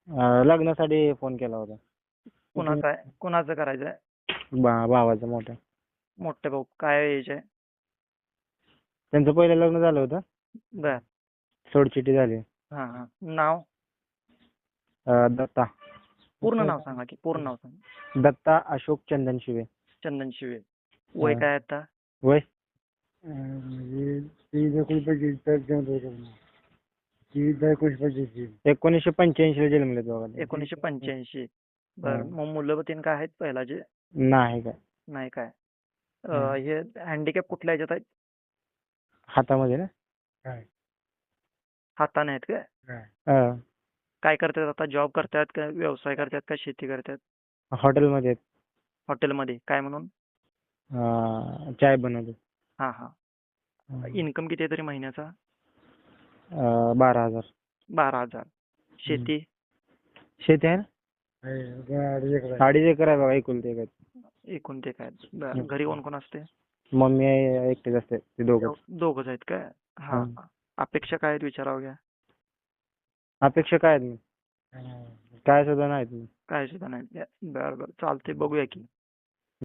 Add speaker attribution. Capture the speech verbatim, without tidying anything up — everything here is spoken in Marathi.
Speaker 1: अं, लग्नासाठी फोन केला होता.
Speaker 2: कुणाचं आहे कुणाचं करायचंय?
Speaker 1: बा भावाचं मोठ्या.
Speaker 2: मोठे भाऊ काय एज आहे?
Speaker 1: त्यांचं पहिलं लग्न झालं होतं.
Speaker 2: बर.
Speaker 1: सोडचिट्टी झाली.
Speaker 2: हा हा नाव
Speaker 1: अं, दत्ता
Speaker 2: पूर्ण नाव सांगा की पूर्ण नाव सांगा.
Speaker 1: दत्ता अशोक चंदन शिवे.
Speaker 2: चंदन शिवे. वय काय आता?
Speaker 1: वय एकोणीसशे पंच्याऐंशी ला जन्मले दोघांनी.
Speaker 2: एकोणीसशे पंच्याऐंशी. बर. मग मुलं तीन काय आहेत पहिलाचे?
Speaker 1: नाही काय
Speaker 2: नाही काय. अं, हे हँडिकॅप कुठल्या ह्याच्यात आहेत?
Speaker 1: हातामध्ये ना.
Speaker 2: हाताने आहेत काय?
Speaker 1: अं,
Speaker 2: काय करतात आता? जॉब करतात का व्यवसाय करतात का शेती करतात?
Speaker 1: हॉटेलमध्ये आहेत.
Speaker 2: हॉटेलमध्ये काय म्हणून?
Speaker 1: अं, चाय बनवतो.
Speaker 2: हा हा. इन्कम किती आहे तरी महिन्याचा?
Speaker 1: अं, बारा हजार.
Speaker 2: बारा हजार. शेती?
Speaker 1: शेती आहे ना. अडीच एकर आहे बघा एकुलते एक आहे.
Speaker 2: एकूण ते काय? बर. घरी कोण कोण असते?
Speaker 1: मम्मी आहे, एकटेच असते ते दोघं.
Speaker 2: दोघच आहेत काय? हा
Speaker 1: हं.
Speaker 2: हा. अपेक्षा काय आहेत विचारावं घ्या.
Speaker 1: अपेक्षा काय आहेत? काय सुद्धा नाहीत.
Speaker 2: काय सुद्धा नाही. बर बर चालते बघूया की.